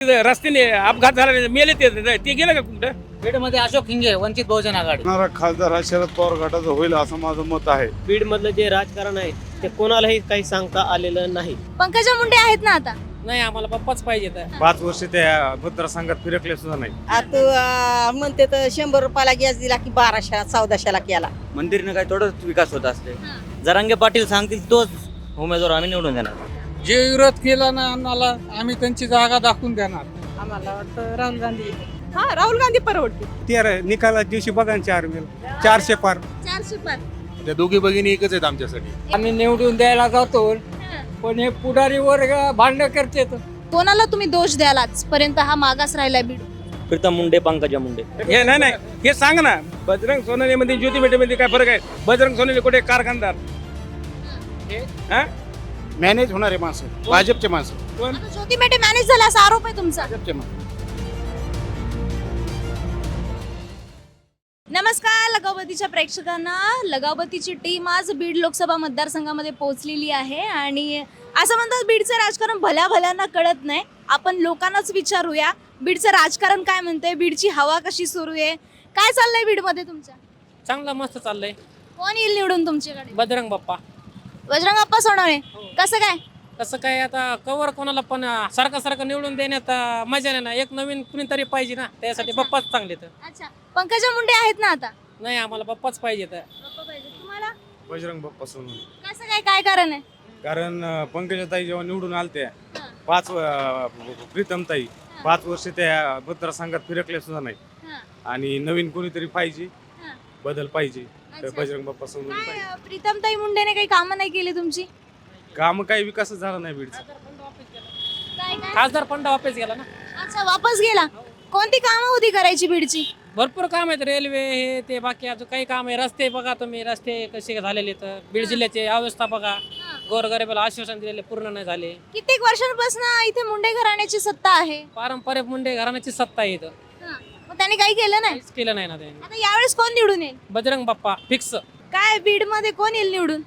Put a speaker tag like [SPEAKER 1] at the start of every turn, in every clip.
[SPEAKER 1] रस्त्याने अपघात झाला मेले ते गेलं का कुठं?
[SPEAKER 2] बीडमध्ये अशोक हिंगे, वंचित बहुजन आघाडी.
[SPEAKER 3] येणारा खासदार हा शरद पवार गटाचा होईल असं माझं मत आहे.
[SPEAKER 4] बीड मधलं जे राजकारण आहे ते कोणालाही काही सांगता आलेलं नाही.
[SPEAKER 5] पंकजा मुंडे आहेत ना आता?
[SPEAKER 4] नाही, आम्हाला पप्पाच पाहिजे.
[SPEAKER 1] 5 वर्ष त्या मतदारसंघात फिरकले सुद्धा नाही.
[SPEAKER 6] आता म्हणते तर 100 रुपयाला गॅस दिला की 1200 1400ला केला.
[SPEAKER 2] मंदिरनं काय थोडंच विकास होत असते. जरांगे पाटील सांगतील तोच उमेदवार आम्ही निवडून देणार.
[SPEAKER 7] जे विरोध केला ना आम्हाला, आम्ही त्यांची जागा दाखवून देणार.
[SPEAKER 6] आम्हाला वाटतं राहुल गांधी. हा, राहुल गांधी परवडते.
[SPEAKER 1] ते निकाला दिवशी बघा 400 पार.
[SPEAKER 5] 400 पार.
[SPEAKER 8] त्या दोघी भगिनी एकच आहेत आमच्यासाठी.
[SPEAKER 7] आम्ही निवडून द्यायला जातो, पण हे पुढारी वर्ग भांडण करते.
[SPEAKER 5] कोणाला तुम्ही दोष द्याल आजपर्यंत हा मागास राहिलाय बीड?
[SPEAKER 2] प्रीतम मुंडे, पंकजा मुंडे.
[SPEAKER 1] हे नाही हे सांग ना, बजरंग सोनाली मध्ये ज्योती बेटे मध्ये काय फरक आहे? बजरंग सोनाली कुठे कारखानदार हा?
[SPEAKER 8] मॅनेज होणारे माणसं, भाजपचे माणसं.
[SPEAKER 5] आता ज्योती मेटे मॅनेज झाला असा आरोप आहे तुमचा.
[SPEAKER 8] भाजपचे माणसं.
[SPEAKER 5] नमस्कार लगावतीच्या प्रेक्षकांना. लगावतीची टीम आज बीड लोकसभा मतदारसंघामध्ये पोहोचलेली आहे आणि असं म्हणतात बीडचं राजकारण भल्या भल्यांना कळत नाही. आपण लोकांनाच विचारूया बीडचं राजकारण काय म्हणतंय, बीडची हवा कशी सुरू आहे, काय चाललंय बीडमध्ये तुमच्या?
[SPEAKER 4] चांगलं मस्त चाललंय.
[SPEAKER 5] कोण येईल निवडून तुमच्याकडे?
[SPEAKER 4] बजरंग बाप्पा.
[SPEAKER 5] बजरंग बाप्पा सोनवणे. कसं काय?
[SPEAKER 4] कसं काय, आता कवर कोणाला पण सारखं निवडून देण्यात मजा नाही ना. एक नवीन कुणीतरी पाहिजे ना, त्यासाठी बाप्पाच चांगले. तर
[SPEAKER 5] अच्छा, पंकजा मुंडे आहेत ना आता?
[SPEAKER 4] नाही, आम्हाला बाप्पाच पाहिजे.
[SPEAKER 5] बाप्पा पाहिजे तुम्हाला?
[SPEAKER 1] बजरंग बाप्पा सोनवणे.
[SPEAKER 5] कसं काय, काय कारण आहे?
[SPEAKER 1] कारण पंकजाताई जेव्हा निवडून आलत्या 5 प्रीतमताई 5 वर्ष त्या मतदारसंघात फिरकले सुद्धा नाही. आणि नवीन कोणीतरी पाहिजे, बदल पाहिजे. तर
[SPEAKER 5] अच्छा.
[SPEAKER 1] बजरंग बाप्पा सोनवणे पाहिजे.
[SPEAKER 5] काय प्रीतमताई मुंडेने काही कामं नाही केली तुमची?
[SPEAKER 1] काम काही विकासच झाला नाही बीडचा.
[SPEAKER 5] काय काय?
[SPEAKER 4] खासदार फंड वापस गेला ना.
[SPEAKER 5] अच्छा, वापस गेला. कोणती कामं होती करायची बीडची?
[SPEAKER 4] भरपूर काम आहेत, रेल्वे हे ते, बाकी अजून काही काम आहे. रस्ते बघा तुम्ही, रस्ते कसे झालेले. तर बीड जिल्ह्याची अवस्था बघा. गोरगरिबाला आश्वासन दिलेले पूर्ण नाही झाले.
[SPEAKER 5] कित्येक वर्षांपासून इथे मुंडे घराण्याची सत्ता आहे.
[SPEAKER 4] पारंपरिक मुंडे घराण्याची सत्ता आहे इथं.
[SPEAKER 5] मग त्यांनी काही केलं नाही.
[SPEAKER 4] काहीच केलं नाही ना त्यांनी.
[SPEAKER 5] आता यावेळेस कोण निवडून येईल?
[SPEAKER 4] बजरंग बाप्पा फिक्स.
[SPEAKER 5] काय बीड मध्ये कोण येईल निवडून?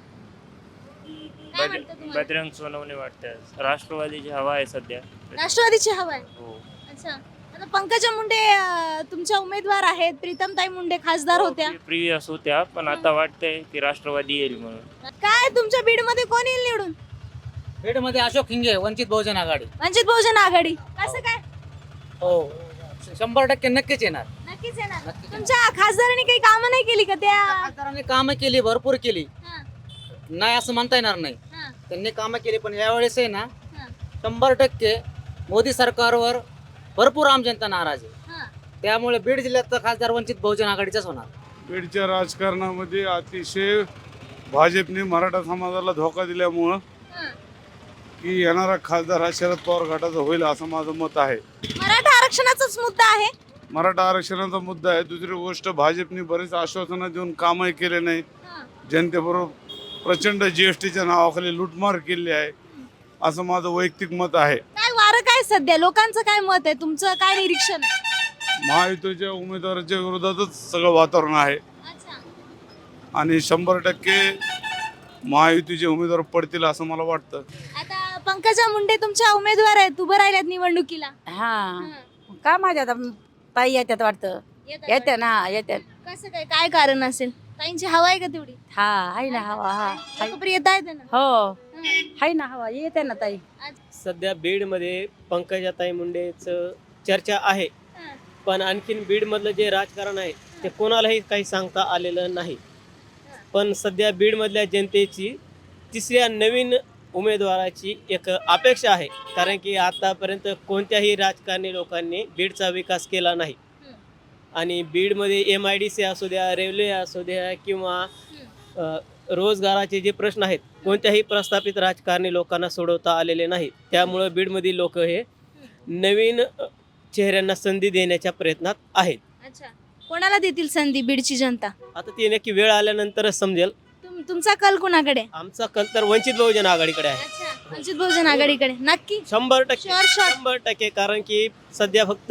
[SPEAKER 5] काय वाटतं तुम्हाला?
[SPEAKER 9] बजरंग सोनवणे वाटतं. राष्ट्रवादीची हवा आहे सध्या.
[SPEAKER 5] राष्ट्रवादीची हवा आहे.
[SPEAKER 9] हो.
[SPEAKER 5] अच्छा, आता पंकजा मुंडे तुमच्या उमेदवार आहेत, प्रीतमताई मुंडे खासदार होत्या.
[SPEAKER 9] प्रिव्हियस होत्या, पण आता वाटतंय की राष्ट्रवादी येईल म्हणून.
[SPEAKER 5] काय तुमच्या बीड मध्ये कोण येईल निवडून?
[SPEAKER 2] बीडमध्ये अशोक हिंगे, वंचित बहुजन आघाडी.
[SPEAKER 5] वंचित बहुजन आघाडी. कसं काय?
[SPEAKER 2] हो, 100% नक्कीच येणार.
[SPEAKER 5] नक्कीच येणार.
[SPEAKER 2] नक्कीच.
[SPEAKER 5] तुमच्या खासदारांनी काही कामं नाही केली का त्या?
[SPEAKER 2] खासदारांनी कामं केली, भरपूर केली.
[SPEAKER 5] हा,
[SPEAKER 2] नाही असं म्हणता येणार नाही.
[SPEAKER 5] हा,
[SPEAKER 2] त्यांनी कामं केली, पण यावेळेस आहे ना
[SPEAKER 5] हा,
[SPEAKER 2] 100% मोदी सरकारवर भरपूर आम जनता नाराज आहे.
[SPEAKER 5] हा.
[SPEAKER 2] त्यामुळे बीड जिल्ह्याचा खासदार वंचित बहुजन आघाडीचाच होणार.
[SPEAKER 3] बीडच्या राजकारणामध्ये अतिशय भाजपने मराठा समाजाला धोका दिल्यामुळं
[SPEAKER 5] हा.
[SPEAKER 3] की येणारा खासदार हा शरद पवार गटाचा होईल असं माझं मत आहे.
[SPEAKER 5] मराठा आरक्षणाचाच मुद्दा आहे.
[SPEAKER 3] मराठा आरक्षणाचा मुद्दा आहे. दुसरी गोष्ट, भाजपने बरेच आश्वासनं देऊन कामही केले नाही.
[SPEAKER 5] हा.
[SPEAKER 3] जनतेबरोबर प्रचंड जीएसटीच्या नावाखाली लूटमार केली आहे असं माझं वैयक्तिक मत आहे.
[SPEAKER 5] काय वारं काय सध्या लोकांचं काय मत आहे, तुमचं काय निरीक्षण आहे?
[SPEAKER 3] महायुतीच्या उमेदवाराच्या विरोधातच सगळं वातावरण आहे
[SPEAKER 5] अच्छा.
[SPEAKER 3] आणि 100% महायुतीचे उमेदवार पडतील असं मला वाटतं.
[SPEAKER 5] आता पंकजा मुंडे तुमच्या उमेदवार आहेत, उभं राहिल्यात निवडणुकीला.
[SPEAKER 6] हा, का माझ्या आता ताई येतात वाटतं. येते ना, येते.
[SPEAKER 5] कसं काय, काय कारण असेल? ताईंची हवा आहे का तेवढी?
[SPEAKER 6] हा, आहे ना हवा. हा,
[SPEAKER 5] लोकप्रिय येता येते ना.
[SPEAKER 6] हो, आहे ना हवा, येते ना ताई.
[SPEAKER 4] सध्या बीडमध्ये पंकजाताई मुंडेचं चर्चा आहे, पण आणखीन बीडमधलं जे राजकारण आहे ते कोणालाही काही सांगता आलेलं नाही. पण सध्या बीडमधल्या जनतेची तिसऱ्या नवीन उमेदवाराची एक अपेक्षा आहे, कारण की आतापर्यंत कोणत्याही राजकारणी लोकांनी बीडचा विकास केला नाही. आणि बीडमध्ये MIDC असू द्या, रेल्वे असू द्या, किंवा रोजगाराचे जे प्रश्न आहेत कोणत्याही प्रस्थापित राजकारणी लोकांना सोडवता आलेले नाहीत. त्यामुळं बीडमधील लोक हे नवीन चेहऱ्यांना संधी देण्याच्या प्रयत्नात आहेत.
[SPEAKER 5] अच्छा, कोणाला देतील संधी बीडची जनता?
[SPEAKER 4] आता ती नक्की वेळ आल्यानंतरच समजेल.
[SPEAKER 5] तुमचा कल कुणाकडे?
[SPEAKER 4] आमचा कल तर वंचित बहुजन आघाडीकडे आहे.
[SPEAKER 5] अच्छा, वंचित बहुजन आघाडीकडे. नक्की
[SPEAKER 4] 100%.
[SPEAKER 5] Sure, sure.
[SPEAKER 4] 100%. कारण की सध्या फक्त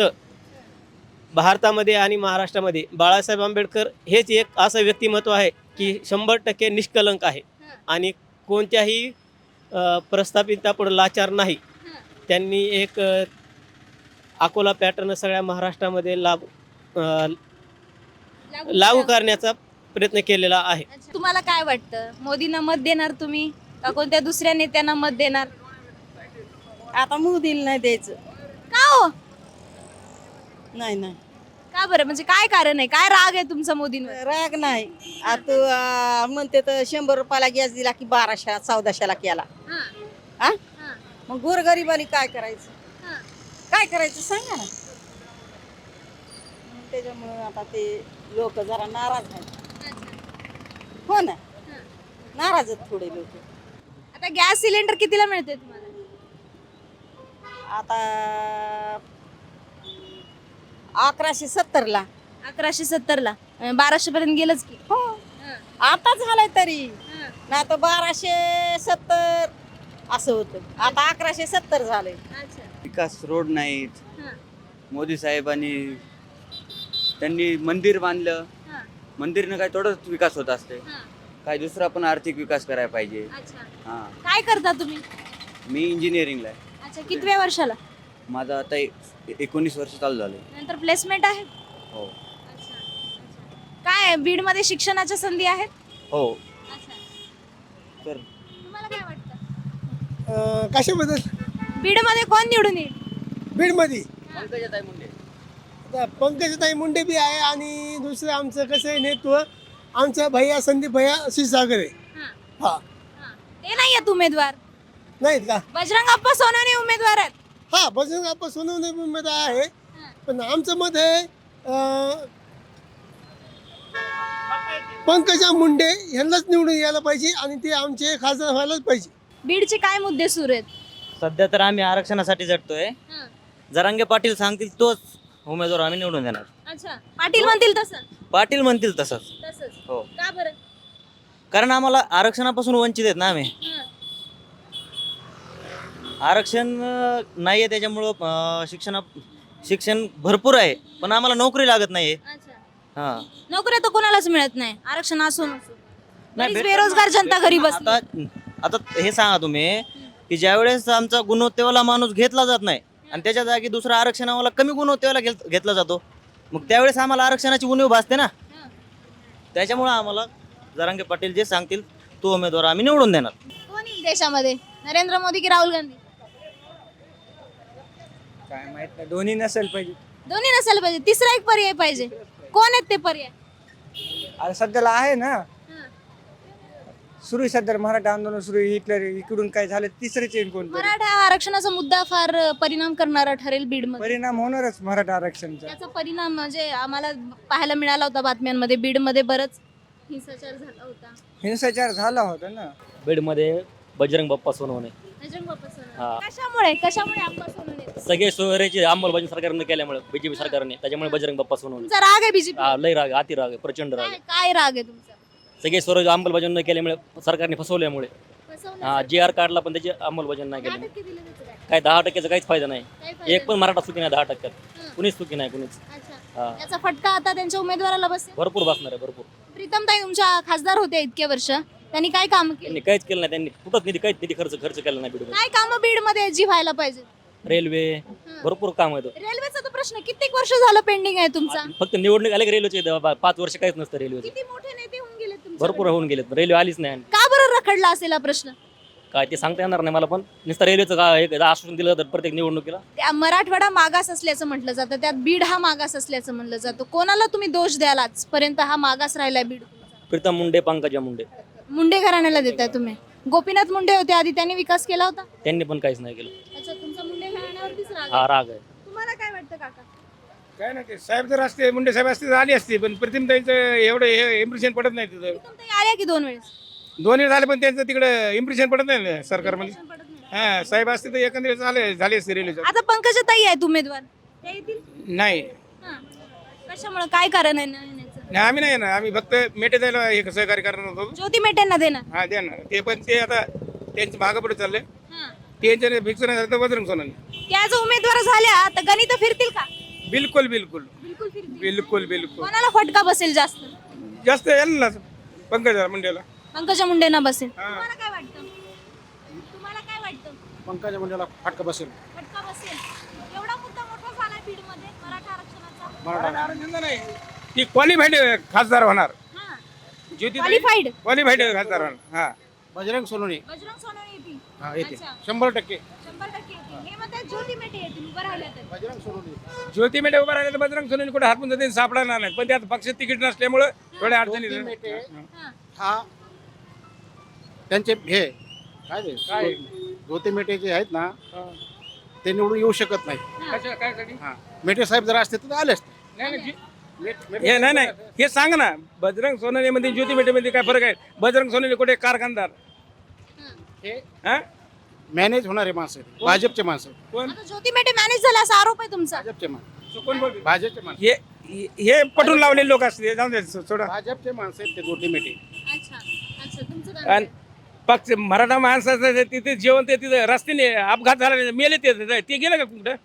[SPEAKER 4] भारतामध्ये आणि महाराष्ट्रामध्ये बाळासाहेब आंबेडकर हेच एक असं व्यक्तिमत्व आहे की 100% निष्कलंक आहे आणि कोणत्याही प्रस्थापितापुढे लाचार नाही. त्यांनी एक अकोला पॅटर्न सगळ्या महाराष्ट्रामध्ये लागू करण्याचा प्रयत्न केलेला आहे.
[SPEAKER 5] अच्छा. तुम्हाला काय वाटतं, मोदींना मत देणार तुम्ही का कोणत्या दुसऱ्या नेत्यांना मत देणार?
[SPEAKER 6] आता मोदीला नाही द्यायचं.
[SPEAKER 5] का हो?
[SPEAKER 6] नाही नाही
[SPEAKER 5] का बरं, म्हणजे काय कारण आहे, काय राग आहे तुमचा मोदींवर?
[SPEAKER 6] राग नाही. आता म्हणते तर 100 रुपयाला गॅस दिला की 1200 1400ला केला. हा मग गोरगरिबांनी काय करायचं? काय करायचं सांगा ना. मग त्याच्यामुळे आता ते लोक जरा नाराज आहेत. हो ना, नाराज आहेत थोडे लोक.
[SPEAKER 5] आता गॅस सिलेंडर कितीला मिळते तुम्हाला?
[SPEAKER 6] आता 1170ला.
[SPEAKER 5] 1170ला 1200 पर्यंत गेलंच की.
[SPEAKER 6] हो आता झालंय तरी, नाही तर 1270 असं होतं. आता 1170 झालंय.
[SPEAKER 2] विकास रोड नाहीत. मोदी साहेबांनी त्यांनी मंदिर बांधलं. मंदिरनं काय थोडंच विकास होत असते. काय दुसरा पण आर्थिक विकास करायला पाहिजे. हा,
[SPEAKER 5] काय करता तुम्ही?
[SPEAKER 2] मी इंजिनिअरिंगला आहे.
[SPEAKER 5] अच्छा, कितव्या वर्षाला?
[SPEAKER 2] माझं आता 19 वर्ष चालू झाले.
[SPEAKER 5] नंतर प्लेसमेंट आहे?
[SPEAKER 2] हो
[SPEAKER 5] काय बीड मध्ये शिक्षणाच्या संधी आहेत?
[SPEAKER 2] हो. तर
[SPEAKER 5] तुम्हाला काय वाटतं,
[SPEAKER 7] कशाबद्दल?
[SPEAKER 5] बीड मध्ये कोण निवडून येईल?
[SPEAKER 7] बीडमध्ये
[SPEAKER 2] पंकजाताई मुंडे.
[SPEAKER 7] आता पंकजाताई मुंडे बी आहे आणि दुसरं आमचं कसं आहे नेतृत्व, आमचा भैया संदीप भैया क्षीरसागर आहे. हा
[SPEAKER 5] ते नाही आहेत उमेदवार,
[SPEAKER 7] नाहीत का?
[SPEAKER 5] बजरंग अप्पा सोनवणे उमेदवार आहेत.
[SPEAKER 7] हा बजरंग आपण सोनवणे मध्ये आहे, पण आमचं मत आहे पंकजा मुंडे यांनाच निवडून यायला पाहिजे आणि ते आमचे खासदार व्हायलाच पाहिजे.
[SPEAKER 5] बीडचे काय मुद्दे सुरू आहेत?
[SPEAKER 2] सध्या तर आम्ही आरक्षणासाठी झटतोय. जरांगे पाटील सांगतील तोच उमेदवार आम्ही निवडून देणार.
[SPEAKER 5] अच्छा, पाटील म्हणतील तसं?
[SPEAKER 2] पाटील म्हणतील तसंच. हो,
[SPEAKER 5] का बरं?
[SPEAKER 2] कारण आम्हाला आरक्षणापासून वंचित आहेत ना आम्ही. आरक्षण नाहीये त्याच्यामुळं शिक्षण भरपूर आहे, पण आम्हाला नोकरी लागत नाहीये. हा,
[SPEAKER 5] नोकऱ्या तर कोणालाच मिळत नाही, आरक्षण असून
[SPEAKER 2] नाही,
[SPEAKER 5] बरीच बेरोजगार जनता घरी बसली.
[SPEAKER 2] आता हे सांगा तुम्ही की ज्यावेळेस आमचा गुणवत्तेवाला माणूस घेतला जात नाही आणि त्याच्या जागी दुसरा आरक्षण आम्हाला कमी गुणवत्तेवाला घेतला जातो, मग त्यावेळेस आम्हाला आरक्षणाची उणीव भासते ना. त्याच्यामुळे आम्हाला जरांगे पाटील जे सांगतील तो उमेदवार आम्ही निवडून देणार.
[SPEAKER 5] कोण येईल देशामध्ये, नरेंद्र मोदी की राहुल गांधी?
[SPEAKER 7] काय माहित नाही, दोन्ही नसेल पाहिजे.
[SPEAKER 5] दोन्ही नसायला पाहिजे, तिसरा एक पर्याय पाहिजे. कोण आहेत ते पर्याय?
[SPEAKER 7] आता सध्याला आहे ना सुरू, सध्या मराठा आंदोलन सुरू, इकडून काय झालं तिसरेच येईल कोण.
[SPEAKER 5] मराठा आरक्षणाचा मुद्दा फार परिणाम करणारा ठरेल बीडमध्ये.
[SPEAKER 7] परिणाम होणारच मराठा आरक्षणचा.
[SPEAKER 5] त्याचा परिणाम म्हणजे आम्हाला पाहायला मिळाला होता बातम्यांमध्ये, बीडमध्ये बरंच हिंसाचार झाला होता.
[SPEAKER 7] हिंसाचार झाला होता ना
[SPEAKER 4] बीडमध्ये बजरंग बाप्पा सोनवणे.
[SPEAKER 5] बजरंग बाप्पा सोनवणे. कशामुळे आप्पा सोनवणे?
[SPEAKER 4] सगळे सोयऱ्याची अंमलबजावणी सरकारने केल्यामुळे, बीजेपी सरकारने, त्याच्यामुळे बजरंग बाप्पा सोनवणे.
[SPEAKER 5] तुमचा राग आहे बीजेपी?
[SPEAKER 4] लय राग, अति राग, प्रचंड राग.
[SPEAKER 5] काय राग आहे तुमचा?
[SPEAKER 4] सगळे स्वराज्य अंमलबजावणी न केल्यामुळे, सरकारने फसवल्यामुळे. GR काढला पण त्याची अंमलबजावणी नाही केली. काय 10% काहीच फायदा नाही. एक पण मराठा चुकी नाही 10%. कुणीच चुकी नाही, कुणीच.
[SPEAKER 5] याचा फटका आता त्यांच्या उमेदवाराला बसेल.
[SPEAKER 4] भरपूर बसणार आहे, भरपूर.
[SPEAKER 5] प्रीतमताई तुमच्या खासदार होत्या इतके वर्ष, त्यांनी काय काम केली?
[SPEAKER 4] त्यांनी काहीच केलं नाही, त्यांनी कुठंच काहीच निधी खर्च केला नाही बीडमध्ये.
[SPEAKER 5] काय काम बीड मध्ये जी व्हायला पाहिजे?
[SPEAKER 4] रेल्वे, भरपूर काम आहेत.
[SPEAKER 5] रेल्वेचा तर प्रश्न कित्येक वर्ष झालं पेंडिंग आहे तुमचा.
[SPEAKER 4] फक्त निवडणूक आले की रेल्वेचे 5 वर्ष काहीच नसतं रेल्वेचे.
[SPEAKER 5] किती मोठे नेते होऊन गेले तुमचे?
[SPEAKER 4] भरपूर होऊन गेलेत, रेल्वे आलीच नाही.
[SPEAKER 5] का बरं रखडला असेल हा प्रश्न?
[SPEAKER 4] काय ते सांगता येणार नाही मला, पण नुसतं रेल्वेचं काय एक आश्वासन दिलं तर प्रत्येक निवडणुकीला.
[SPEAKER 5] त्या मराठवाडा मागास असल्याचं म्हटलं जातं, त्यात बीड हा मागास असल्याचं म्हणलं जातं. कोणाला तुम्ही दोष द्याल आजपर्यंत हा मागास राहिलाय बीड?
[SPEAKER 4] प्रीतम मुंडे, पंकजा मुंडे.
[SPEAKER 5] मुंडे घराण्याला देताय तुम्ही? गोपीनाथ मुंडे होते आधी, त्यांनी विकास केला होता?
[SPEAKER 4] त्यांनी पण काहीच नाही केलं.
[SPEAKER 5] अच्छा, तुमचा मुंडे घराण्यावरतीच राग आहे.
[SPEAKER 4] हा राग आहे.
[SPEAKER 5] तुम्हाला काय वाटतं काका?
[SPEAKER 7] काय नाही, ते साहेब जर असते, मुंडे साहेब असते तर आली असते, पण प्रीतमताईचं एवढं इम्प्रेशन पडत नाही तिथं.
[SPEAKER 5] प्रीतमताई आल्या की 2 वेळेस?
[SPEAKER 7] 2 वेळ झाले पण त्यांचं तिकडं इम्प्रेशन पडत नाही ना सरकारमध्ये.
[SPEAKER 5] पडत नाही.
[SPEAKER 7] हा साहेब असते तर एकंदरीत झाले असते रेल्वेचं.
[SPEAKER 5] आता पंकजाताई आहेत उमेदवार, त्या येतील?
[SPEAKER 7] नाही
[SPEAKER 5] हां. कशामुळे, काय कारण आहे नाही येण्याचं?
[SPEAKER 7] नाही, आम्ही नाही ना, आम्ही फक्त मेटे जायला हे सहकार्य करणार होतो.
[SPEAKER 5] ज्योती मेटेंना देणार?
[SPEAKER 7] हा द्या ना, ते पण ते आता त्यांचं मागं पुढे चाललंय.
[SPEAKER 5] हां.
[SPEAKER 7] त्यांच्या फिक्स नाही झालं तर बजरंग सोनवणे.
[SPEAKER 5] त्या जर उमेदवार झाल्या तर गणित फिरतील का?
[SPEAKER 7] बिलकुल बिलकुल
[SPEAKER 5] बिलकुल फिरतील.
[SPEAKER 7] बिलकुल बिलकुल.
[SPEAKER 5] कोणाला फटका बसेल जास्त?
[SPEAKER 7] जास्त यायला ना पंकजा मुंडेला.
[SPEAKER 5] पंकजा मुंडेंना बसेल.
[SPEAKER 7] हां.
[SPEAKER 5] तुम्हाला काय वाटतं? तुम्हाला काय वाटतं?
[SPEAKER 8] पंकजा मुंडेला फटका बसेल.
[SPEAKER 5] फटका बसेल. एवढा मुद्दा मोठा झाला
[SPEAKER 8] ती क्वालिफाईड खासदार होणार. ज्योती
[SPEAKER 5] क्वालिफाईड
[SPEAKER 8] क्वालिफाईड खासदार होणार. हा
[SPEAKER 2] बजरंग सोनवणे
[SPEAKER 5] बजरंग सोनवणे येतील.
[SPEAKER 2] हा येते
[SPEAKER 5] अच्छा.
[SPEAKER 2] 100%.
[SPEAKER 5] 100% येतील. हे म्हणतात ज्योती मेटे येतील उभं राहिल्या तर.
[SPEAKER 2] बजरंग सोनवणे
[SPEAKER 8] ज्योती मेटे उभा राहिले तर बजरंग सोनवणे कुठे हातून जाते सापडणार नाही, पण त्यात पक्ष तिकीट नसल्यामुळे थोड्या अडचणी
[SPEAKER 2] ज्योती मेटे
[SPEAKER 5] हां.
[SPEAKER 2] हा त्यांचे हे काय ते
[SPEAKER 8] काय?
[SPEAKER 2] ज्योती मेटे जे आहेत ना ते निवडून येऊ शकत नाही.
[SPEAKER 8] काय साठी?
[SPEAKER 2] हा मेटे साहेब जर असते तर आले असते.
[SPEAKER 8] हे नाही हे सांग ना, बजरंग सोनवणे मध्ये ज्योती मेटे मध्ये काय फरक आहे? बजरंग सोनवणे कुठे कारखानदार,
[SPEAKER 2] हे
[SPEAKER 8] हा?
[SPEAKER 2] मॅनेज होणारे माणसं आहेत. भाजपचे माणसं आहेत.
[SPEAKER 8] कोण
[SPEAKER 5] आता ज्योती मेटे मॅनेज झाला असा आरोप आहे तुमचा.
[SPEAKER 2] भाजपचे माणसं
[SPEAKER 8] कोण बोलते?
[SPEAKER 2] भाजपचे माणसं
[SPEAKER 8] हे पटून लावलेले लोक असते, जाऊ दे सोडा.
[SPEAKER 2] भाजपचे माणसं आहेत ते ज्योती मेटे.
[SPEAKER 5] अच्छा अच्छा तुमचं काय
[SPEAKER 8] आणि पक्ष मराठा माणसाचं तिथे जेवण ते तिथे रस्त्याने अपघात झाला मेले ते गेलं का कुठं?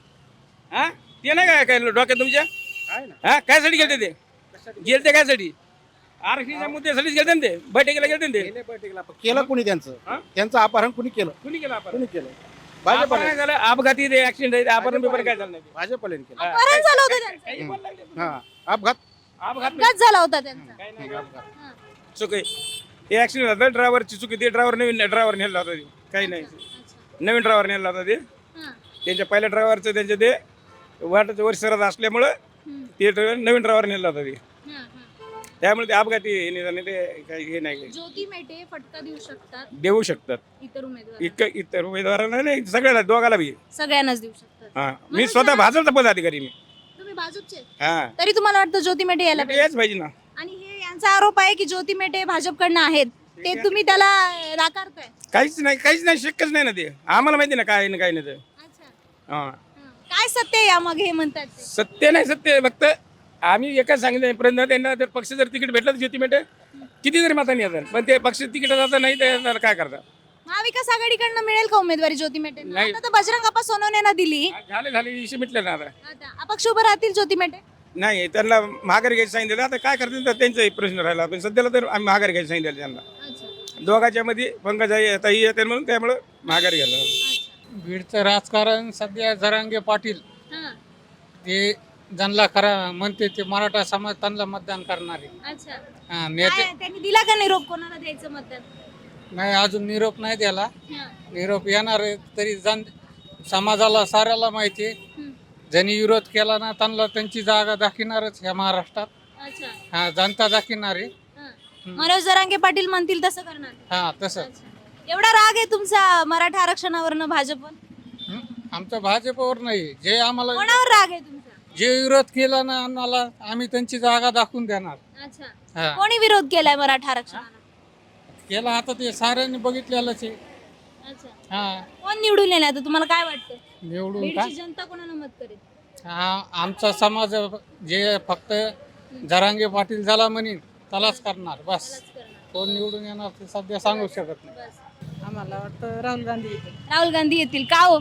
[SPEAKER 8] हा ते नाही काय डोक्यात तुमच्या?
[SPEAKER 2] आहे ना
[SPEAKER 8] हा कायसाठी गेलते ते? गेलते कायसाठी? आरक्षणाच्या मुद्द्यासाठीच गेलते ना ते, बैठकीला गेलते ना ते.
[SPEAKER 2] गेले बैठकीला. केलं कोणी
[SPEAKER 8] हा?
[SPEAKER 2] त्यांचं अपहरण कोणी केलं?
[SPEAKER 8] कुणी केलं आपण?
[SPEAKER 2] कोणी केलं?
[SPEAKER 8] अपहरण
[SPEAKER 2] भाजपने
[SPEAKER 8] काय झालं? अपघाती ते ऍक्सिडेंट अपहरण बिपहरण काय झालं नाही ते.
[SPEAKER 2] भाजपने केलं.
[SPEAKER 5] अपहरण झालं होतं त्यांचं.
[SPEAKER 8] काही बोलायला लागले.
[SPEAKER 2] हा अपघात
[SPEAKER 8] अपघात नाही.
[SPEAKER 5] अपघात झाला होता त्यांचा.
[SPEAKER 8] काही नाही.
[SPEAKER 5] हां.
[SPEAKER 8] चुक आहे. हे ऍक्सिडेंट झालं ड्रायव्हरची चुकी. ते ड्रायव्हर नवीन ड्रायव्हर नेला होता ते. काही नाही,
[SPEAKER 5] अच्छा.
[SPEAKER 8] नवीन ड्रायव्हर नेला होता ते.
[SPEAKER 5] हां.
[SPEAKER 8] त्यांच्या पहिल्या ड्रायव्हरचं त्यांचे ते वाटाचं वर सरत असल्यामुळं
[SPEAKER 5] हम्म.
[SPEAKER 8] ते नवीन ड्रायव्हर नेला होता ते.
[SPEAKER 5] हां, हां.
[SPEAKER 8] त्यामुळे ते अपघाती हे निघाले, ते काही हे नाही
[SPEAKER 5] ज्योती मेटे फटका देऊ शकतात
[SPEAKER 8] देऊ शकतात.
[SPEAKER 5] इतर उमेदवार
[SPEAKER 8] इतर उमेदवारांना नाही, सगळ्याला दोघाला बी.
[SPEAKER 5] सगळ्यांनाच देऊ शकतात.
[SPEAKER 8] हा मी स्वतः भाजपचा पदाधिकारी मी.
[SPEAKER 5] तुम्ही भाजपचे
[SPEAKER 8] हा
[SPEAKER 5] तरी तुम्हाला वाटतं ज्योती मेटे यायला पाहिजे?
[SPEAKER 8] याच पाहिजे ना.
[SPEAKER 5] आणि हे यांचा आरोप आहे की ज्योती मेटे भाजपकडनं आहेत ते तुम्ही त्याला नाकारताय.
[SPEAKER 8] काहीच नाही शक्यच नाही ना ते. आम्हाला माहिती ना काय आहे ना काय नाही ते.
[SPEAKER 5] अच्छा.
[SPEAKER 8] हा
[SPEAKER 5] हां. काय सत्य आहे यामागे हे म्हणतात ते?
[SPEAKER 8] सत्य नाही, सत्य फक्त आम्ही एकच सांगितलं प्रयत्न त्यांना, जर पक्ष जर तिकीट भेटलं तर ज्योती मेटे किती जरी मतांनी येतात, पण ते पक्ष तिकीट जातं नाही तर काय करतात?
[SPEAKER 5] महाविकास आघाडीकडनं मिळेल का उमेदवारी ज्योती मेटे?
[SPEAKER 8] नाही.
[SPEAKER 5] आता तर बजरंग अप्पा सोनवणेंना दिली.
[SPEAKER 8] झाले विषय मिटले ना आता.
[SPEAKER 5] आता अपक्ष उभं राहतील ज्योती मेटे.
[SPEAKER 8] नाही त्यांना माघारी घ्यायचं सांगितलं, आता काय करतील तर त्यांचाही प्रश्न राहिला, पण सध्याला तर आम्ही माघारी घ्यायचं सांगितलं त्यांना.
[SPEAKER 5] अच्छा.
[SPEAKER 8] दोघांच्या मध्ये पंकजाताई येते म्हणून त्यामुळं माघारी घ्यायला.
[SPEAKER 5] अच्छा.
[SPEAKER 10] बीडचं राजकारण सध्या जरांगे पाटील
[SPEAKER 5] हां.
[SPEAKER 10] ते ज्यांना खरा म्हणते ते मराठा समाज त्यांना मतदान करणारे.
[SPEAKER 5] अच्छा.
[SPEAKER 10] नेते
[SPEAKER 5] काय त्यांनी दिला का निरोप कोणाला द्यायचं मतदान?
[SPEAKER 10] नाही, अजून निरोप नाही द्याला.
[SPEAKER 5] हां.
[SPEAKER 10] निरोप येणार आहे, तरी समाजाला साऱ्याला माहिती आहे.
[SPEAKER 5] हं.
[SPEAKER 10] ज्यांनी विरोध केला ना त्यांना त्यांची जागा दाखविणारच ह्या महाराष्ट्रात.
[SPEAKER 5] अच्छा.
[SPEAKER 10] हा जनता दाखविणार आहे.
[SPEAKER 5] हां. मनोज जरांगे पाटील म्हणतील तसं करणार.
[SPEAKER 10] हा तसं.
[SPEAKER 5] अच्छा. एवढा राग आहे तुमचा मराठा आरक्षणावरनं भाजपवर?
[SPEAKER 10] आमचं भाजपवर नाही, जे आम्हाला
[SPEAKER 5] कोणावर राग आहे तुमचा?
[SPEAKER 10] जे विरोध केला ना आम्हाला आम्ही त्यांची जागा दाखवून देणार.
[SPEAKER 5] अच्छा.
[SPEAKER 10] हा
[SPEAKER 5] कोणी विरोध केलाय मराठा आरक्षणाला?
[SPEAKER 10] केला आता ते साऱ्यांनी बघितलेलंच आहे.
[SPEAKER 5] अच्छा.
[SPEAKER 10] हा
[SPEAKER 5] कोण निवडून येणार आता तुम्हाला काय वाटतं?
[SPEAKER 10] निवडून
[SPEAKER 5] बीडची
[SPEAKER 10] का
[SPEAKER 5] जनता कोणाला मत करेल?
[SPEAKER 10] हा आमचा समाज जे फक्त जरांगे पाटील झाला म्हणेन त्यालाच करणार बस.
[SPEAKER 5] त्यालाच करणार.
[SPEAKER 10] कोण निवडून येणार ते सध्या सांगू शकत नाही.
[SPEAKER 5] बस.
[SPEAKER 6] आम्हाला वाटतं राहुल गांधी येते.
[SPEAKER 5] राहुल गांधी येतील का हो?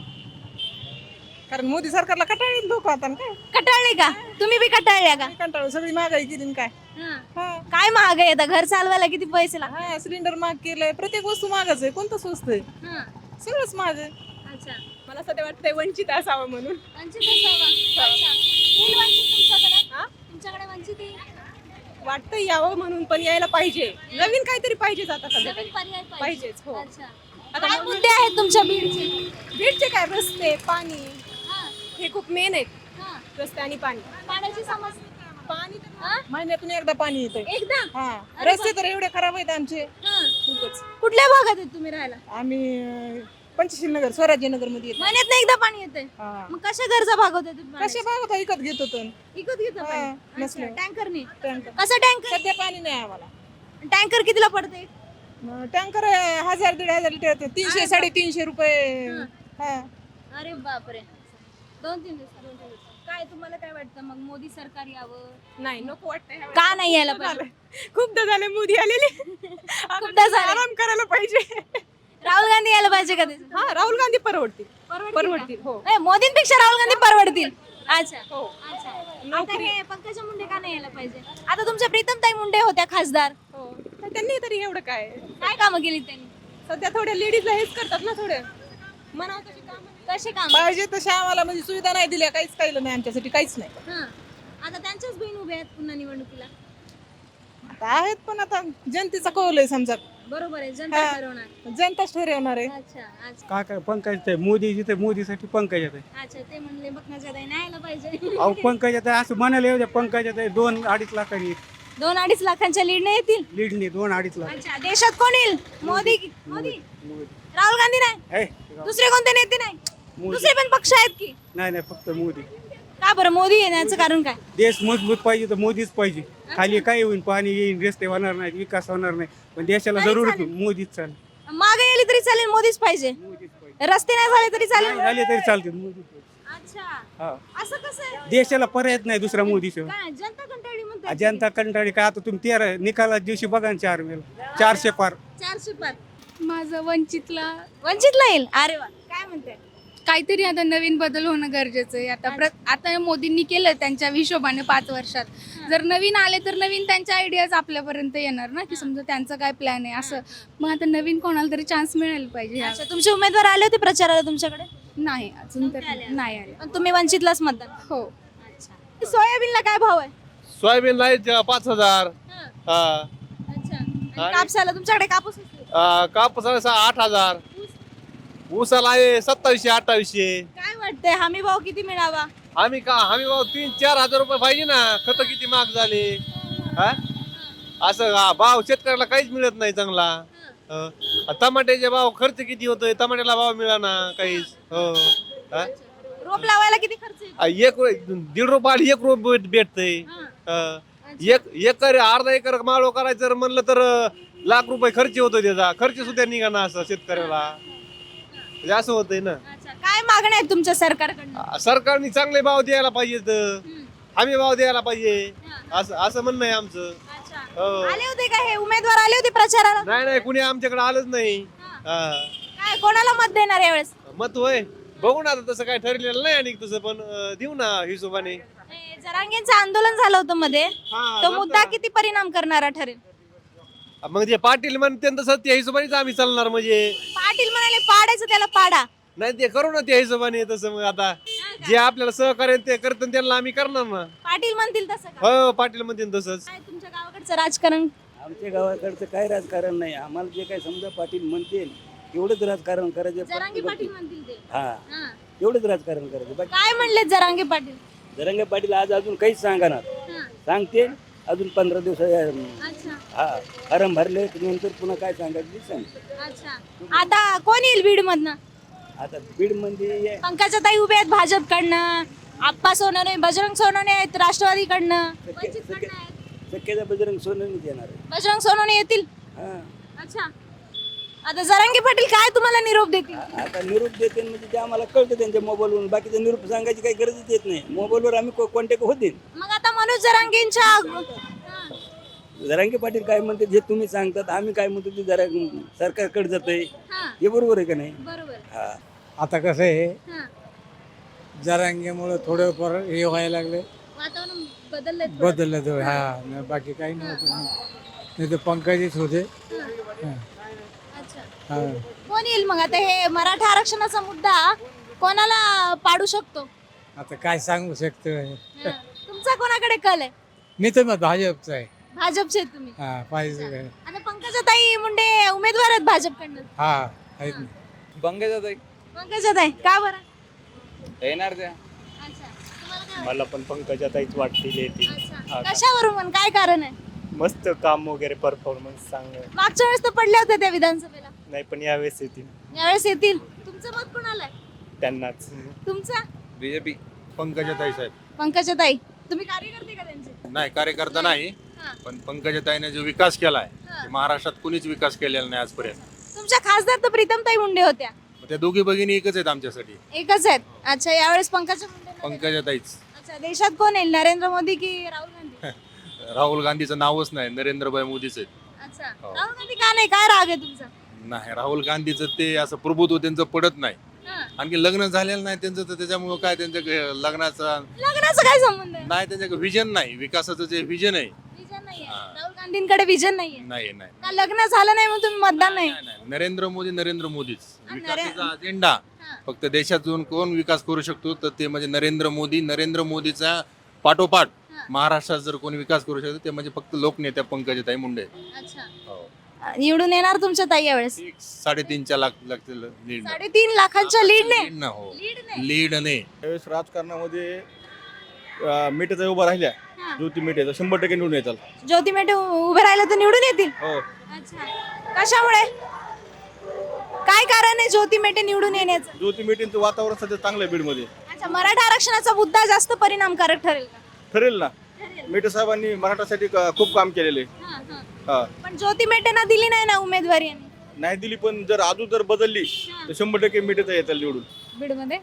[SPEAKER 6] कारण मोदी सरकारला कटाळी लोक आता काय
[SPEAKER 5] कटाळले का? तुम्ही बी कटाळल्या का?
[SPEAKER 6] कंटाळू सगळी महागाई केली काय
[SPEAKER 5] हां. काय महाग आहे आता? घर चालवायला किती पैसे लागतात?
[SPEAKER 6] हा सिलेंडर महाग केलंय प्रत्येक वस्तू महागच आहे कोणतं स्वस्त आहे
[SPEAKER 5] हां.
[SPEAKER 6] सगळंच महाग आहे
[SPEAKER 5] अच्छा.
[SPEAKER 6] मला सध्या वाटतंय वंचित असावं म्हणून
[SPEAKER 5] वंचित असावा. अच्छा. येईल वंचित तुमच्याकडे? तुमच्याकडे वंचित येईल?
[SPEAKER 6] वाटतंय यावं म्हणून पण यायला पाहिजे नवीन काहीतरी पाहिजेच आता सध्या
[SPEAKER 5] नवीन पर्याय
[SPEAKER 6] पाहिजेच, हो.
[SPEAKER 5] अच्छा. काय मुद्दे आहेत तुमच्या बीडचे?
[SPEAKER 6] बीडचे काय रस्ते पाणी
[SPEAKER 5] हां.
[SPEAKER 6] हे खूप मेन आहेत
[SPEAKER 5] हां.
[SPEAKER 6] रस्ते आणि पाणी
[SPEAKER 5] पाण्याची समस्या.
[SPEAKER 6] पाणी
[SPEAKER 5] हां?
[SPEAKER 6] महिन्यातून एकदा पाणी येते
[SPEAKER 5] एकदा?
[SPEAKER 6] हा
[SPEAKER 5] अरे
[SPEAKER 6] रस्ते तर एवढे खराब आहेत आमचे
[SPEAKER 5] हां.
[SPEAKER 6] खूपच
[SPEAKER 5] कुठल्या भागात आहेत तुम्ही राहायला?
[SPEAKER 6] आम्ही पंचशील नगर स्वराज्य नगर मध्ये येतो
[SPEAKER 5] महिन्यात एकदा पाणी येते.
[SPEAKER 6] हा.
[SPEAKER 5] मग कशा गरजा भागवते तुम्ही?
[SPEAKER 6] कसे बघा विकत घेत होतो
[SPEAKER 5] विकत घेता
[SPEAKER 6] हा,
[SPEAKER 5] पाणी?
[SPEAKER 6] नसलं.
[SPEAKER 5] अच्छा. टँकरने?
[SPEAKER 6] टँकर
[SPEAKER 5] कसं टँकर?
[SPEAKER 6] सध्या पाणी नाही आम्हाला
[SPEAKER 5] टँकर कितीला पडते?
[SPEAKER 6] टँकर 1000-1500 लिटर येते 300-350 रुपये
[SPEAKER 5] हा.
[SPEAKER 6] हा
[SPEAKER 5] अरे बापरे. 2-3 दिवस. काय तुम्हाला काय वाटतं मग मोदी सरकार यावं?
[SPEAKER 6] नाही नको वाटतंय ह्या
[SPEAKER 5] का नाही यायला
[SPEAKER 6] वेळेस.
[SPEAKER 5] पाहिजे?
[SPEAKER 6] खूपदा झाले मोदी आलेले
[SPEAKER 5] खूपदा झाले.
[SPEAKER 6] आराम करायला पाहिजे
[SPEAKER 5] राहुल गांधी यायला पाहिजे का? ते
[SPEAKER 6] हा राहुल गांधी परवडतील
[SPEAKER 5] परवडतील
[SPEAKER 6] परवडतील हो
[SPEAKER 5] का? मोदींपेक्षा राहुल गांधी परवडतील. अच्छा.
[SPEAKER 6] हो
[SPEAKER 5] अच्छा. आता
[SPEAKER 6] नोकरी
[SPEAKER 5] हे पंकजा मुंडे का नाही यायला पाहिजे? आता तुमच्या प्रीतमताई मुंडे होत्या खासदार.
[SPEAKER 6] हो तर त्यांनी तरी एवढं काय
[SPEAKER 5] काय कामं केली त्यांनी?
[SPEAKER 6] सध्या थोड्या लेडीजला हेच करतात ना थोडे म्हणावं तशी कामं
[SPEAKER 5] कसे काम?
[SPEAKER 6] पाहिजे तशा आम्हाला म्हणजे सुविधा नाही दिल्या काहीच काही नाही आमच्यासाठी काहीच नाही
[SPEAKER 5] आता त्यांच्याच बहीण उभ्या आहेत पुन्हा निवडणुकीला.
[SPEAKER 6] आहेत पण आता जनतेचा कौल आहे समजा,
[SPEAKER 5] बरोबर आहे, जनता ठरवणार.
[SPEAKER 6] जनताच ठरवणार आहे.
[SPEAKER 5] अच्छा अच्छा
[SPEAKER 8] काय काय पंकज मोदी जिथे मोदीसाठी पंकज आहे.
[SPEAKER 5] अच्छा, ते म्हणले पंकजाताई नाही यायला पाहिजे.
[SPEAKER 8] अहो पंकज आहे असं म्हणायला येऊ द्या. पंकज आहे 2-2.5 लाखांनी
[SPEAKER 5] 2-2.5 लाखांच्या लीडने येतील.
[SPEAKER 8] लीडनी 2-2.5 लाख.
[SPEAKER 5] अच्छा, देशात कोण येईल? मोदी राहुल गांधी नाही, दुसरे कोणते नेते नाही, दुसरे पण पक्ष आहेत की?
[SPEAKER 8] नाही फक्त मोदी.
[SPEAKER 5] का बरं मोदी येण्याचं कारण काय?
[SPEAKER 8] देश मजबूत पाहिजे तर मोदीच पाहिजे. खाली काय होईल, पाणी येईल, रस्ते होणार नाहीत, विकास होणार नाही, पण देशाला
[SPEAKER 5] तरी
[SPEAKER 8] जरूर
[SPEAKER 5] चालेल.
[SPEAKER 8] मोदीच चालेल.
[SPEAKER 5] मागे गेली तरी चालेल, मोदीच पाहिजे. रस्ते नाही झाले तरी चालेल.
[SPEAKER 8] झाले तरी चालते मोदी.
[SPEAKER 5] अच्छा,
[SPEAKER 8] हा.
[SPEAKER 5] असं कसं आहे?
[SPEAKER 8] देशाला पर्यायच नाही दुसरा मोदीशिवाय.
[SPEAKER 5] काय जनता कंटाळली म्हणतात?
[SPEAKER 8] जनता कंटाळी काय. आता तुम्ही 13 निकाला दिवशी बघा ना 4 मेला 400 पार.
[SPEAKER 5] 400 पार.
[SPEAKER 11] माझं वंचितला
[SPEAKER 5] वंचितला येईल. अरे वा, काय म्हणते?
[SPEAKER 11] काहीतरी आता नवीन बदल होणं गरजेचं आहे. आता मोदींनी केलं त्यांच्या हिशोबाने 5 वर्षात. जर नवीन आले तर नवीन त्यांच्या आयडियाज आपल्यापर्यंत येणार ना, की समजा त्यांचं काय प्लॅन आहे असं. मग आता नवीन कोणाला तरी चान्स मिळायला पाहिजे.
[SPEAKER 5] अच्छा, तुमचे उमेदवार आले होते प्रचाराला तुमच्याकडे?
[SPEAKER 11] नाही अजून तर नाही आले.
[SPEAKER 5] पण तुम्ही वंचितलाच मतदान.
[SPEAKER 11] हो.
[SPEAKER 5] अच्छा, सोयाबीनला काय भाव आहे?
[SPEAKER 12] सोयाबीन ला 5,000.
[SPEAKER 5] अच्छा, आणि कापसाला तुमच्याकडे कापूस असतो?
[SPEAKER 12] कापूस 8,000. ऊसाला आहे 2700-2800.
[SPEAKER 5] काय वाटतंय हमी भाव किती मिळावा?
[SPEAKER 12] हमी भाव 3-4 हजार रुपये पाहिजे ना. खत किती महाग झाले. असं भाव शेतकऱ्याला काहीच मिळत नाही चांगला. टमाट्याचे भाव खर्च किती होतोय, टमाट्याला भाव मिळाना काहीच.
[SPEAKER 5] रोप लावायला किती खर्च येतो?
[SPEAKER 12] 1.5 रुपयाला 1 रुपये भेटतंय. अर्धा एकर माळो करायचं जर म्हणलं तर लाख रुपये खर्च होतो. त्याचा खर्च सुद्धा निघाना असं शेतकऱ्याला. म्हणजे असं होतंय ना.
[SPEAKER 5] अच्छा, काय मागण्या आहेत तुमच्या सरकारकडनं?
[SPEAKER 12] सरकारने चांगले भाव द्यायला पाहिजेत. हमी भाव द्यायला पाहिजे. असं म्हणणं आहे आमचं.
[SPEAKER 5] अच्छा,
[SPEAKER 12] हो.
[SPEAKER 5] आले होते का हे उमेदवार आले होते प्रचाराला?
[SPEAKER 12] नाही कुणी आमच्याकडे आलंच नाही.
[SPEAKER 5] काय कोणाला मत देणार यावेळेस?
[SPEAKER 12] मत होय बघू ना, आता तसं काय ठरलेलं नाही आणि तसं पण देऊ ना हिशोबाने.
[SPEAKER 5] जरांगेंचं आंदोलन झालं होतं मध्ये, तो मुद्दा किती परिणाम करणारा ठरेल?
[SPEAKER 12] मग ते पाटील म्हणते तसं त्या हिशोबानेच आम्ही चालणार. म्हणजे
[SPEAKER 5] पाटील म्हणाले पाडायचं त्याला पाडा.
[SPEAKER 12] नाही ते करू ना त्या हिशोबाने. तसं मग आता जे आपल्याला सहकार्य ते करतात त्यांना आम्ही करणार ना.
[SPEAKER 5] पाटील म्हणतील तसं का?
[SPEAKER 12] हो पाटील म्हणतील तसंच.
[SPEAKER 5] काय तुमच्या गावाकडचं राजकारण?
[SPEAKER 13] आमच्या गावाकडचं काय राजकारण नाही. आम्हाला जे काय समजा पाटील म्हणतील एवढंच राजकारण
[SPEAKER 5] जरांगे
[SPEAKER 13] करायचं.
[SPEAKER 5] पाटील म्हणतील ते.
[SPEAKER 13] हा, एवढंच राजकारण करायचं. बाकी
[SPEAKER 5] काय म्हणले जरांगे पाटील?
[SPEAKER 13] जरंगे पाटील आज अजून काहीच सांगणार. सांगते अजून 15 दिवस.
[SPEAKER 5] अच्छा
[SPEAKER 13] हा, फॉर्म भरले नंतर पुन्हा काय सांगायचं सांग.
[SPEAKER 5] अच्छा, आता कोण येईल बीड मधनं?
[SPEAKER 13] आता बीड मध्ये
[SPEAKER 5] पंकजाताई उभे आहेत भाजपकडनं, आप्पा सोनवणे, बजरंग सोनवणे आहेत राष्ट्रवादीकडनं, वंचितकडनं आहेत.
[SPEAKER 13] शक्यता बजरंग सोनवणेच येणार आहे.
[SPEAKER 5] बजरंग सोनवणे येतील.
[SPEAKER 13] हा,
[SPEAKER 5] अच्छा, आता जरांगे पाटील काय तुम्हाला निरोप देतील?
[SPEAKER 13] आता निरोप देते म्हणजे ते आम्हाला कळतं त्यांच्या मोबाईलवरून. बाकीचा निरोप सांगायची काही गरजच येत नाही. मोबाईलवर आम्ही कॉन्टॅक्ट होते.
[SPEAKER 5] मग आता मनोज जरांगेंच्या
[SPEAKER 13] जरांगे पाटील काय म्हणते जे तुम्ही सांगतात, आम्ही काय म्हणतो ते जरा सरकारकडे जातंय. हे बरोबर आहे का नाही?
[SPEAKER 5] बरोबर.
[SPEAKER 13] हा,
[SPEAKER 10] आता कसं आहे, जरांगेमुळे थोडं फार हे व्हायला लागले,
[SPEAKER 5] वातावरण बदललंय.
[SPEAKER 10] बदललं तर. हा, बाकी काही नव्हतं. नाही तर पंकजच होते.
[SPEAKER 5] अच्छा,
[SPEAKER 10] हा.
[SPEAKER 5] कोण येईल मग आता? हे मराठा आरक्षणाचा मुद्दा कोणाला पाडू शकतो?
[SPEAKER 10] आता काय सांगू शकतो.
[SPEAKER 5] तुमचा कोणाकडे कल आहे?
[SPEAKER 10] मी तर मग भाजपचा आहे.
[SPEAKER 5] भाजपचे आहेत तुम्ही?
[SPEAKER 10] हा, पाहिजे.
[SPEAKER 5] आता पंकजाताई मुंडे उमेदवार आहेत भाजपकडनं.
[SPEAKER 10] हा, आहेत ना.
[SPEAKER 5] पंकजाताई का बरं?
[SPEAKER 9] येणार त्या.
[SPEAKER 5] अच्छा, तुम्हाला काय
[SPEAKER 9] मला पण पंकजाताईच वाटतील येतील.
[SPEAKER 5] अच्छा, कशावरून पण काय कारण आहे?
[SPEAKER 9] मस्त काम वगैरे परफॉर्मन्स चांगलं.
[SPEAKER 5] मागच्या वेळेस तर पडल्या होत्या त्या विधानसभेला.
[SPEAKER 9] नाही पण यावेळेस येतील
[SPEAKER 5] यावेळेस येतील. तुमचं मत कोणाला आहे?
[SPEAKER 9] त्यांनाच.
[SPEAKER 5] तुमचा?
[SPEAKER 9] बीजेपी.
[SPEAKER 3] पंकजाताई साहेब.
[SPEAKER 5] पंकजाताई तुम्ही कार्यकर्ते का त्यांचे?
[SPEAKER 3] नाही कार्यकर्ता नाही,
[SPEAKER 5] हा.
[SPEAKER 3] पण पंकजाताईने जो विकास केलाय
[SPEAKER 5] हा.
[SPEAKER 3] ते महाराष्ट्रात कुणीच विकास केलेला नाही आजपर्यंत.
[SPEAKER 5] तुमच्या खासदार तर प्रीतमताई मुंडे होत्या.
[SPEAKER 3] त्या दोघी भगिनी एकच आहेत आमच्यासाठी.
[SPEAKER 5] एकच आहेत. अच्छा, यावेळेस पंकजा मुंडे.
[SPEAKER 3] पंकजाताईच.
[SPEAKER 5] अच्छा, देशात कोण येईल? नरेंद्र मोदी की राहुल गांधी?
[SPEAKER 3] राहुल गांधीचं नावच नाही, नरेंद्रभाई मोदीच आहेत.
[SPEAKER 5] अच्छा,
[SPEAKER 3] हो.
[SPEAKER 5] राहुल गांधी का नाही? काय राग आहे तुमचा?
[SPEAKER 3] नाही, राहुल गांधीचं ते असं प्रभुत्व त्यांचं पडत नाही.
[SPEAKER 5] हा.
[SPEAKER 3] आणखी लग्न झालेलं नाही त्यांचं, तर त्याच्यामुळं काय त्यांच्या लग्नाचा
[SPEAKER 5] लग्नाचा काय संबंध आहे?
[SPEAKER 3] नाही, त्यांच्या विजन नाही, विकासाचं जे विजन आहे.
[SPEAKER 5] विजन नाहीये.
[SPEAKER 3] हा.
[SPEAKER 5] राहुल गांधींकडे विजन नाहीये.
[SPEAKER 3] नाही नाही
[SPEAKER 5] का लग्न झालं नाही म्हणून तुम्ही मतदान नाही?
[SPEAKER 3] नाही. नरेंद्र मोदीच.
[SPEAKER 5] आणि
[SPEAKER 3] विकासाचा अजेंडा
[SPEAKER 5] हा.
[SPEAKER 3] फक्त देशातून कोण विकास करू शकतो तर ते म्हणजे नरेंद्र मोदीचा पाठोपाठ
[SPEAKER 14] महाराष्ट्रात जर कोणी विकास करू शकतो ते म्हणजे फक्त लोकनेत्या पंकजाताई मुंडे. हो.
[SPEAKER 5] निवडून येणार तुमच्या ताई यावेळेस?
[SPEAKER 14] 3.5 लाख लागतील लीड.
[SPEAKER 5] 3.5 लाखांच्या लीडने?
[SPEAKER 14] लीड ना हो.
[SPEAKER 5] लीडने?
[SPEAKER 14] लीडने.
[SPEAKER 12] त्यावेळेस राजकारणामध्ये मेटेचा उभा राहिल्या ज्योती मेटेचा 100% निवडून येतात.
[SPEAKER 5] ज्योती मेटे उभे राहिले तर निवडून येतील?
[SPEAKER 12] हो.
[SPEAKER 5] अच्छा. कशामुळे? काय कारण आहे ज्योती मेटे निवडून येण्याचं?
[SPEAKER 12] ज्योती मेटेंचं वातावरण सध्या चांगलं आहे बीडमध्ये.
[SPEAKER 5] अच्छा, मराठा आरक्षणाचा मुद्दा जास्त परिणामकारक ठरेल का?
[SPEAKER 12] ठरेल ना. मेटे साहेबांनी मराठासाठी खूप काम केलेले. हा.
[SPEAKER 5] पण ज्योती मेटेंना दिली नाही ना उमेदवारी यांनी.
[SPEAKER 12] नाही दिली, पण जर अजून जर बदलली तर 100% मेटेचा येतात निवडून.
[SPEAKER 11] बीडमध्ये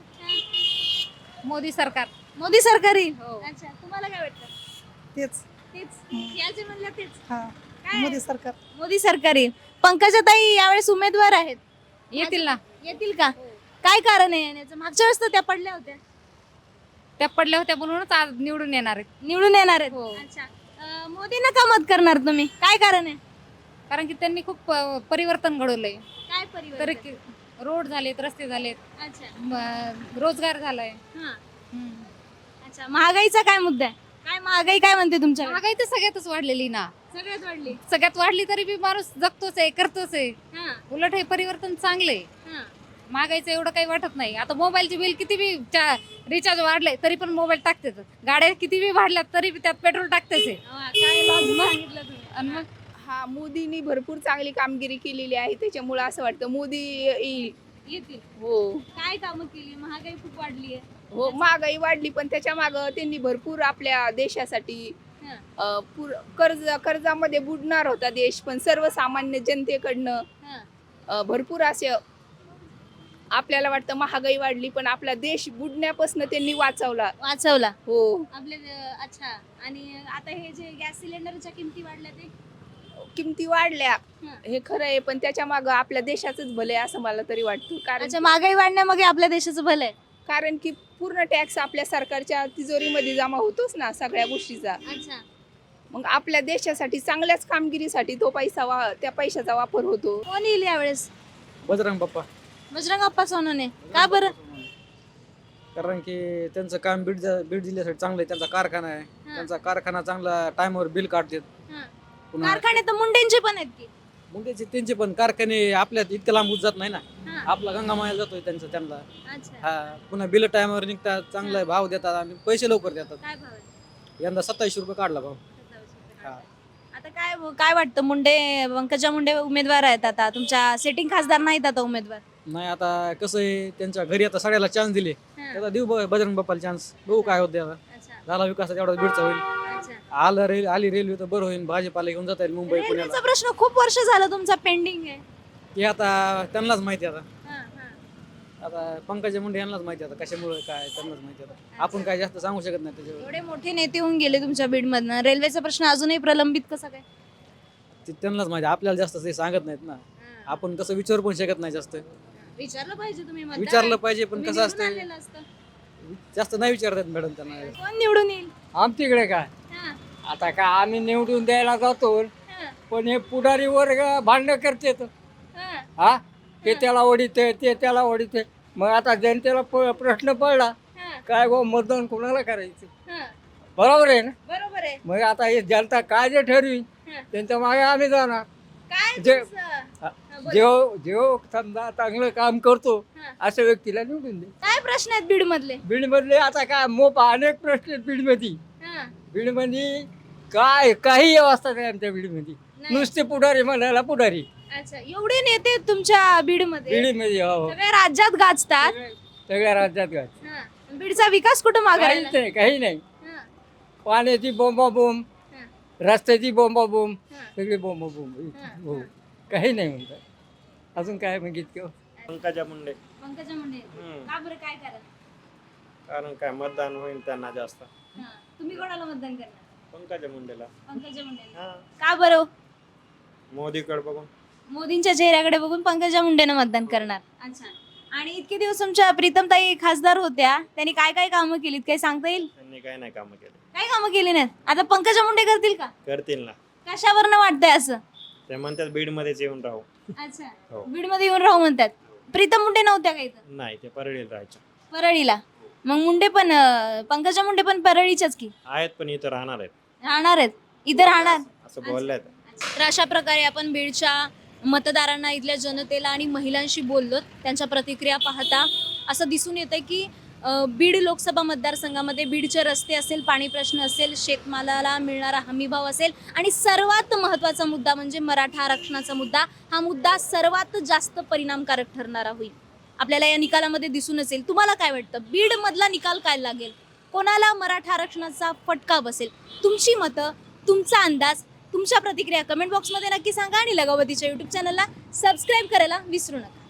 [SPEAKER 11] मोदी सरकार.
[SPEAKER 5] मोदी सरकार येईल? अच्छा, तुम्हाला काय वाटतं?
[SPEAKER 6] तेच
[SPEAKER 5] याचे म्हणलं तेच. काय?
[SPEAKER 6] मोदी सरकार.
[SPEAKER 5] मोदी सरकार येईल. पंकजाताई यावेळेस उमेदवार आहेत,
[SPEAKER 11] येतील ना.
[SPEAKER 5] येतील का? काय कारण आहे येण्याचं? मागच्या वेळेस तर त्या पडल्या होत्या.
[SPEAKER 11] त्या पडल्या होत्या म्हणूनच आज निवडून येणार आहेत.
[SPEAKER 5] निवडून येणार आहेत.
[SPEAKER 11] हो.
[SPEAKER 5] अच्छा. मोदींना का मत करणार तुम्ही? काय कारण आहे?
[SPEAKER 11] कारण की त्यांनी खूप परिवर्तन घडवलंय.
[SPEAKER 5] काय
[SPEAKER 11] तर
[SPEAKER 5] परिवर्तन?
[SPEAKER 11] की रोड झालेत, रस्ते झालेत,
[SPEAKER 5] अच्छा.
[SPEAKER 11] रोजगार झालाय.
[SPEAKER 5] अच्छा, महागाईचा काय मुद्दा आहे? काय महागाई काय म्हणते तुमच्या?
[SPEAKER 11] महागाई तर सगळ्यातच वाढलेली ना.
[SPEAKER 5] सगळ्यात वाढली.
[SPEAKER 11] सगळ्यात वाढली तरी बी माणूस जगतोच आहे, करतोच आहे. उलट हे परिवर्तन चांगलंय. महागाईचं एवढं काही वाटत नाही. आता मोबाईलचे बिल किती बी रिचार्ज वाढले तरी पण मोबाईल टाकतेच. गाड्या किती बी वाढल्यात तरी बी त्यात पेट्रोल टाकतेच आहे.
[SPEAKER 5] काय सांगितलं तुम्ही?
[SPEAKER 11] आणि मग
[SPEAKER 15] हा, मोदींनी भरपूर चांगली कामगिरी केलेली आहे, त्याच्यामुळे असं वाटतं मोदी येईल.
[SPEAKER 5] येतील.
[SPEAKER 15] हो
[SPEAKER 5] काय कामं केली? महागाई खूप वाढली आहे.
[SPEAKER 15] हो, महागाई वाढली पण त्याच्या मागं त्यांनी भरपूर आपल्या देशासाठी कर्जामध्ये बुडणार होता देश, पण सर्वसामान्य जनतेकडनं भरपूर असे आपल्याला वाटतं महागाई वाढली पण आपला देश बुडण्यापासून त्यांनी वाचवला. हो.
[SPEAKER 5] आपले अच्छा. आणि आता हे जे गॅस सिलेंडरच्या किमती वाढल्या ते?
[SPEAKER 15] किमती वाढल्या हे खरं आहे, पण त्याच्या मागं आपल्या देशाचंच भलं आहे असं मला तरी वाटतं. कारण
[SPEAKER 5] महागाई वाढण्यामागे आपल्या देशाचं भलं आहे.
[SPEAKER 15] कारण की पूर्ण टॅक्स आपल्या सरकारच्या तिजोरीमध्ये जमा होतोच ना सगळ्या गोष्टीचा.
[SPEAKER 5] अच्छा.
[SPEAKER 15] मग आपल्या देशासाठी चांगल्याच कामगिरीसाठी तो त्या पैशाचा वापर होतो.
[SPEAKER 5] कोण येईल यावेळेस?
[SPEAKER 8] बजरंग बाप्पा.
[SPEAKER 5] बजरंग अप्पा सोनवणे. का बरं?
[SPEAKER 8] कारण की त्यांचं काम बीड जिल्ह्यासाठी चांगलं आहे. त्यांचा कारखाना आहे, त्यांचा कारखाना चांगला टाइमवर बिल काढतात.
[SPEAKER 5] कारखाने तर मुंडेंचे पण आहेत की?
[SPEAKER 8] मुंडेचे त्यांचे पण कारखाने आपल्यात इतकं लांब जात नाही ना. आपला गंगामाया जातोय त्यांचा त्यांना. हा, पुन्हा बिल टाइमवर निघतात, चांगला भाव देतात आणि पैसे लवकर देतात.
[SPEAKER 5] काय भाव आहे?
[SPEAKER 8] यंदा 27 रुपये काढला भाव.
[SPEAKER 5] आता काय वाटतं? पंकजा मुंडे उमेदवार आहेत, आता तुमच्या सेटिंग खासदार नाहीत आता उमेदवार.
[SPEAKER 8] नाही, आता कसं आहे, त्यांच्या घरी आता सगळ्याला चान्स दिले, त्याचा देऊ बजरंग बाप्पाला चान्स. बघू काय होते आता. झाला विकास तेवढा बीडचा होईल. आली रेल्वे तर बरं होईल, भाजीपाला घेऊन जाता येईल मुंबई पुण्याला.
[SPEAKER 5] रेल्वेचा प्रश्न खूप वर्ष झालं तुमचा पेंडिंग आहे.
[SPEAKER 8] हे आता त्यांनाच माहिती. आता पंकजा मुंडे यांनाच माहिती आता कशामुळे काय त्यांनाच माहिती. आता आपण काय जास्त सांगू शकत नाही त्याच्यावर.
[SPEAKER 5] एवढे मोठे नेते होऊन गेले तुमच्या बीडमधनं, रेल्वेचा प्रश्न अजूनही प्रलंबित कसा काय?
[SPEAKER 8] ते त्यांनाच माहिती, आपल्याला जास्त ते सांगत नाहीत ना. आपण तसं विचारू पण शकत नाही जास्त.
[SPEAKER 5] विचारलं पाहिजे तुम्ही.
[SPEAKER 8] विचारलं पाहिजे पण कसं असतं, जास्त नाही विचारतात मॅडम त्यांना.
[SPEAKER 5] कोण निवडून येईल
[SPEAKER 10] आमच्याकडे काय आता काय आम्ही निवडून द्यायला जातो, पण हे पुढारी वर्ग भांडण करते. हा, ते त्याला ओढीते, ते त्याला ओढीते. मग आता जनतेला प्रश्न पडला काय गो मतदान कोणाला करायचं? बरोबर आहे ना?
[SPEAKER 5] बरोबर आहे.
[SPEAKER 10] मग आता हे जनता काय जे ठरवी त्यांच्या मागे आम्ही जाणार. जेव समजा चांगलं काम करतो अशा व्यक्तीला निवडून दे.
[SPEAKER 5] काय प्रश्न आहेत बीड मधले?
[SPEAKER 10] बीड मधले आता काय अनेक प्रश्न आहेत बीडमध्ये. बीडमध्ये काही व्यवस्था नाही आमच्या बीडमध्ये. नुसते पुढारी म्हणायला पुढारी.
[SPEAKER 5] अच्छा, एवढे नेते तुमच्या बीडमध्ये?
[SPEAKER 10] बीडमध्ये
[SPEAKER 5] सगळ्या राज्यात गाजतात.
[SPEAKER 10] सगळ्या राज्यात गाज.
[SPEAKER 5] बीडचा विकास कुठं मागायला?
[SPEAKER 10] काही नाही. पाण्याची बोंबाबोंब, रस्त्याची बोंबाबोंब, सगळी बोंबाबोंब. हो, काही नाही म्हणतात. अजून काय मागितलं?
[SPEAKER 16] पंकजा मुंडे.
[SPEAKER 5] पंकजा मुंडे. का बरं? काय
[SPEAKER 16] कारण काय मतदान होईल त्यांना जास्त.
[SPEAKER 5] तुम्ही कोणाला मतदान करणार?
[SPEAKER 16] पंकजा मुंडेला.
[SPEAKER 5] पंकजा मुंडे. का बरं?
[SPEAKER 16] मोदीकडे बघून,
[SPEAKER 5] मोदींच्या चेहऱ्याकडे बघून पंकजा मुंडेनं मतदान करणार. अच्छा. आणि इतके दिवस तुमच्या प्रीतमताई खासदार होत्या, त्यांनी काय काय कामं केलीत काही सांगता येईल?
[SPEAKER 16] त्यांनी काय नाही कामं केले.
[SPEAKER 5] काय कामं केली नाहीत? आता पंकजा मुंडे करतील का?
[SPEAKER 16] करतील ना.
[SPEAKER 5] कशावरनं वाटतंय असं?
[SPEAKER 16] ते म्हणतात बीड मध्येच येऊन राहू.
[SPEAKER 5] अच्छा,
[SPEAKER 16] हो.
[SPEAKER 5] बीड मध्ये येऊन राहू म्हणतात. प्रीतम मुंडे नव्हत्या का इथं?
[SPEAKER 16] नाही, ते परळीला राहायचं.
[SPEAKER 5] परळीला. मग मुंडे पण पंकजा मुंडे पण परळीच्याच की
[SPEAKER 16] आहेत पण इथं राहणार आहेत
[SPEAKER 5] राहणार आहेत, इथं राहणार.
[SPEAKER 16] असं बोलल्यात.
[SPEAKER 5] तर अशा प्रकारे आपण बीडच्या मतदारांना, इथल्या जनतेला आणि महिलांशी बोललो. त्यांच्या प्रतिक्रिया पाहता असं दिसून येतंय की बीड लोकसभा मतदारसंघामध्ये बीडचे रस्ते असेल, पाणी प्रश्न असेल, शेतमालाला मिळणारा हमीभाव असेल आणि सर्वात महत्त्वाचा मुद्दा म्हणजे मराठा आरक्षणाचा मुद्दा, हा मुद्दा सर्वात जास्त परिणामकारक ठरणारा होईल. आपल्याला या निकालामध्ये दिसून असेल. तुम्हाला काय वाटतं, बीड मधला निकाल काय लागेल, कोणाला मराठा आरक्षणाचा फटका बसेल? तुमची मतं, तुमचा अंदाज, तुमच्या प्रतिक्रिया कमेंट बॉक्समध्ये नक्की सांगा आणि लगावतीच्या यूट्यूब चॅनलला सबस्क्राईब करायला विसरू नका.